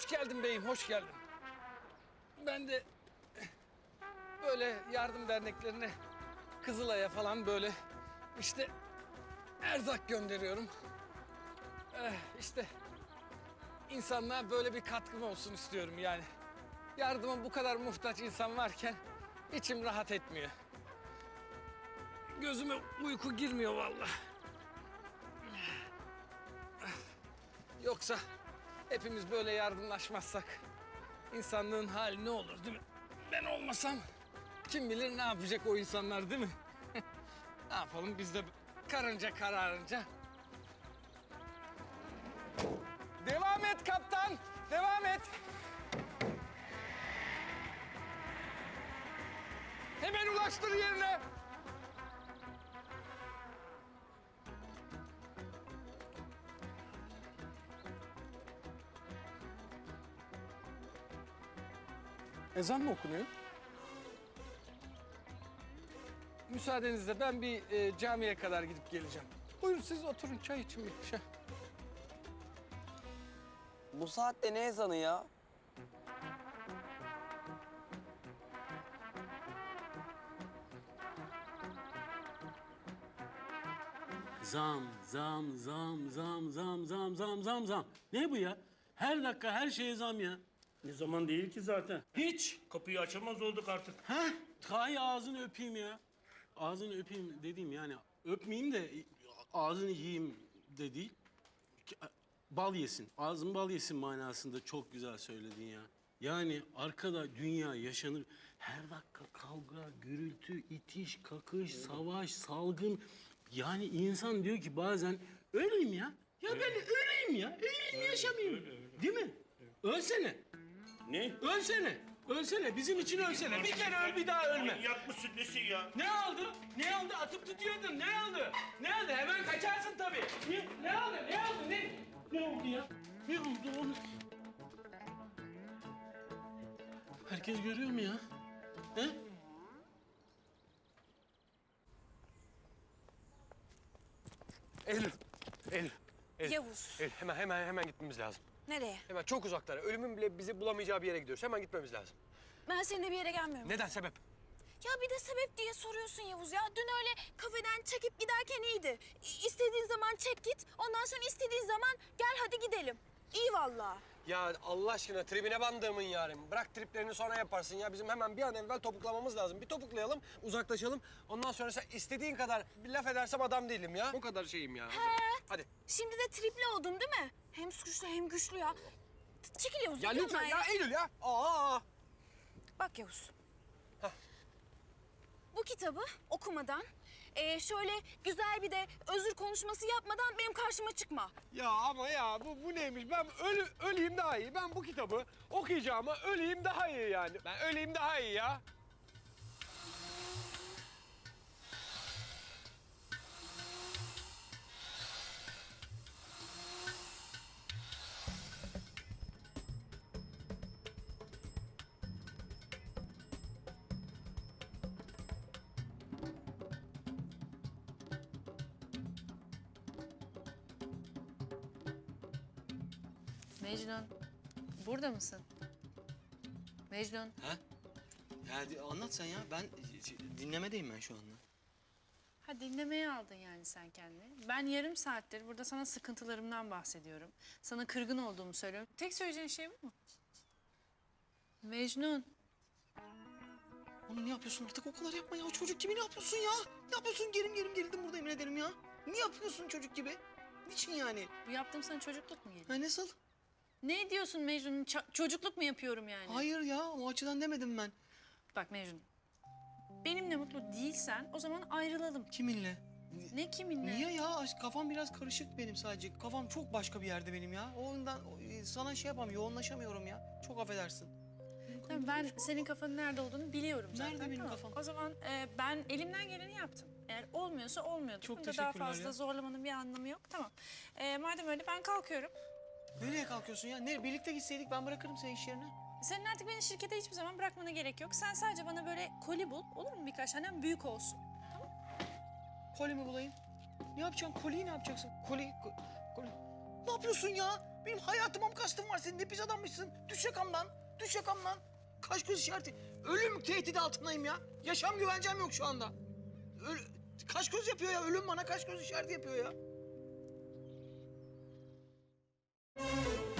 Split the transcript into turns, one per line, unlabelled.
Hoş geldin beyim, hoş geldin. Ben de böyle yardım derneklerine, Kızılay'a falan böyle işte erzak gönderiyorum. İşte insanlığa böyle bir katkım olsun istiyorum yani. Yardıma bu kadar muhtaç insan varken içim rahat etmiyor. Gözüme uyku girmiyor vallahi. Yoksa hepimiz böyle yardımlaşmazsak insanlığın hali ne olur değil mi? Ben olmasam kim bilir ne yapacak o insanlar değil mi? Ne yapalım biz de karınca kararınca. Devam et kaptan, devam et. Hemen ulaştır yerine. Ezan mı okunuyor? Müsaadenizle ben bir camiye kadar gidip geleceğim. Buyurun siz oturun çay için bir şey.
Bu saatte ne ezanı ya?
Zam, zam, zam, zam, zam, zam, zam, zam, zam. Ne bu ya? Her dakika her şeye zam ya.
Ne zaman değil ki zaten.
Hiç.
Kapıyı açamaz olduk artık.
Ha? Hay ağzını öpeyim ya. Ağzını öpeyim dediğim yani öpmeyeyim de ağzını yiyeyim de değil. Bal yesin. Ağzın bal yesin manasında çok güzel söyledin ya. Yani arkada dünya yaşanır. Her dakika kavga, gürültü, itiş, kakış, savaş, salgın. Yani insan diyor ki bazen öleyim ya. Ya ben öleyim ya. Öleyim yaşamayayım. Değil mi? Ölsene.
Ne?
Ölsene. Ölsene. Bizim için ölsene. Bir kere öl bir daha ölme.
Manyak mısın nesin ya?
Ne oldu? Ne oldu? Atıp tutuyordun. Ne oldu? Ne oldu? Hemen kaçarsın tabii. Ne oldu? Ne oldu? Ne oldu ya? Ne oldu oğlum? Herkes görüyor mu ya? He?
Eylül, Eylül.
Yavuz.
Eylül, hemen gitmemiz lazım.
Nereye?
Hemen çok uzaklara. Ölümün bile bizi bulamayacağı bir yere gidiyoruz. Hemen gitmemiz lazım.
Ben seninle bir yere gelmiyorum.
Neden sebep?
Ya bir de sebep diye soruyorsun Yavuz ya. Dün öyle kafeden çekip giderken iyiydi. İstediğin zaman çek git. Ondan sonra istediğin zaman gel hadi gidelim. İyi vallahi.
Ya Allah aşkına tribine bandığımın yarim. Bırak triplerini sonra yaparsın ya. Bizim hemen bir an evvel topuklamamız lazım. Bir topuklayalım, uzaklaşalım. Ondan sonra sen istediğin kadar bir laf edersem adam değilim ya. O kadar şeyim ya. Hadi.
Şimdi de tripli oldun değil mi? Hem suçlu hem güçlü ya. Çekil Yavuz.
Ya
gidiyorum
lütfen
ben
ya Eylül ya. Aa.
Bak Yavuz. Bu kitabı okumadan, şöyle güzel bir de özür konuşması yapmadan benim karşıma çıkma.
Ya ama ya bu neymiş? Ben öleyim daha iyi. Ben bu kitabı okuyacağıma öleyim daha iyi yani. Ben öleyim daha iyi ya.
Mecnun, burada mısın? Mecnun.
Ha? Ya anlat sen ya. Ben dinlemedeyim ben şu anda.
Ha dinlemeye aldın yani sen kendini. Ben yarım saattir burada sana sıkıntılarımdan bahsediyorum. Sana kırgın olduğumu söylüyorum. Tek söyleyeceğin şey bu mu? Mecnun.
Oğlum ne yapıyorsun artık o kadar yapma ya. Çocuk gibi ne yapıyorsun ya? Ne yapıyorsun? Gerim gerildim burada emin ederim ya. Ne yapıyorsun çocuk gibi? Niçin yani?
Bu yaptığım sana çocukluk mu geliyor?
Ha nasıl?
Ne diyorsun Mecnun? Çocukluk mu yapıyorum yani?
Hayır ya o açıdan demedim ben.
Bak Mecnun. Benimle mutlu değilsen o zaman ayrılalım.
Kiminle?
Ne kiminle?
Niye ya? Kafam biraz karışık benim sadece. Kafam çok başka bir yerde benim ya. O yüzden sana şey yapamıyorum, yoğunlaşamıyorum ya. Çok affedersin.
Tamam, ben senin kafanın nerede olduğunu biliyorum zaten.
Nerede benim
tamam.
kafam?
O zaman ben elimden geleni yaptım. Eğer olmuyorsa olmuyordur.
Çok
Bunda daha
teşekkürler
fazla
ya.
zorlamanın bir anlamı yok. Tamam. Madem öyle ben kalkıyorum.
Nereye kalkıyorsun ya? Birlikte gitseydik ben bırakırım seni iş yerine.
Senin artık beni şirkete hiçbir zaman bırakmana gerek yok. Sen sadece bana böyle koli bul. Olur mu birkaç tane? Büyük olsun.
Koli mi bulayım? Ne yapacaksın? Koliyi ne yapacaksın? Koli... Ne yapıyorsun ya? Benim hayatıma mı kastın var senin? Ne pis adammışsın. Düş yakamdan. Düş yakamdan. Kaş göz işareti. Ölüm tehdidi altındayım ya. Yaşam güvencem yok şu anda. Kaş göz yapıyor ya. Ölüm bana kaş göz işareti yapıyor ya.